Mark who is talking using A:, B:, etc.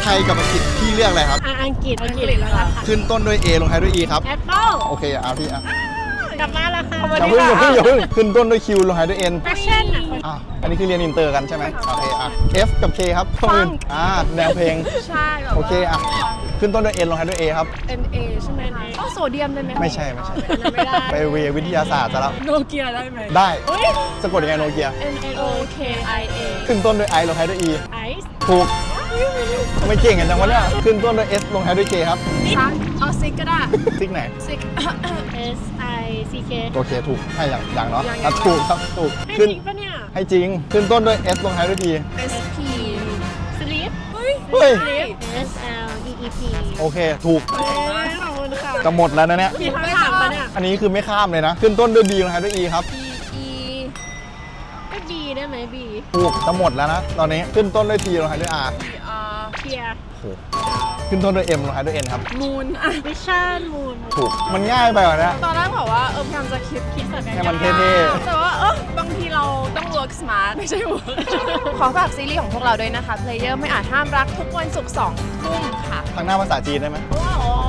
A: ไทยกับอังกฤษพี่เลือกอะไรครับ
B: อังกฤษแล้วค่ะ
A: ขึ้นต้นด้วย A ลงท้ายด้วย E ครับ
B: แอปเปิ้ล
A: โอเคเอาพี่อ่ะ
B: กลับมาแล้วค่ะ
A: อย่าเพิ่งขึ้นต้นด้วย Q ลงท้ายด้วย N
B: แฟชั่นอ่ะ
A: อันนี้คือเรียนอินเตอร์กันใช่ไหมโอเคอ่ะ F กับ K ครับข้อมือแนวเพลง
C: ใช่แบบ
A: โอเคอ่ะขึ้นต้นด้วย N ลงท้ายด้วย A ครับ
C: NA ใช่ไหมคะต้องโซเดียมได้ไหม
A: ไม่ใช่
B: ไม่ได้
A: ไปเววิทยาศาสตร์ซะแล้ว
C: โนเกียได้ไหม
A: ได้สะกดยังไงโนเกีย
C: NOKIA
A: ขึ้นต้นด้วย I ลงท้ายด้วย E
B: ไอซ์
A: ถูกทำไมเก่งกันจังวะเนี่ยขึ้นต้นด้วย S ลงท้ายด้วย K ครับ
C: ซักเอาซิกก็ได้
A: ซิกไหน
C: ซิก
B: SICK
A: โอเคถูกให้อย่างเนาะ
C: อย่าง
A: อ่ะถูกครับถูก
B: ให้
A: ขึ้น
B: จริงปะเนี่ย
A: ให้จริงขึ้นต้นด้วย S ลงท้ายด้วย T
C: SP
B: สลีป
C: เฮ้ย
A: เฮ้ย
B: SLEEP
A: โอเคถูก
B: ขอบคุณค่ะ
A: จะหมดแล้วนะเนี่ย
B: มีคำถามปะเนี่ย
A: อันนี้คือไม่ข้ามเลยนะ ขึ้นต้นด้วย B ลงท้ายด้วย E ครับ
C: E
B: ก็ B ได้ไหม B
A: ถูกจะหมดแล้วนะตอนนี้ขึ้นต้นด้วย T ลงท้ายด้วย R
C: R
B: เทียร์
A: โอ้โหขึ้นต้นด้วย M ลงท้ายด้วย N ครับ
C: มูนอ่ะ
B: วิชั่นมูน
A: ถูกมันง่ายไปกว่านี้
C: ตอนแรกบอกว่าพยายามจะคิดแบบ
A: ให้มันเท่
C: แต่ว่าบางทีเราต้อง work smart ไม่ใช่ work ขอฝากซีรีส์ของพวกเราด้วยนะคะ Player ไม่อาจห้ามรักทุกวันศุกร์2 ทุ่มค่ะ
A: ทางหน้าภาษาจีนได้ไหม
C: ว้าว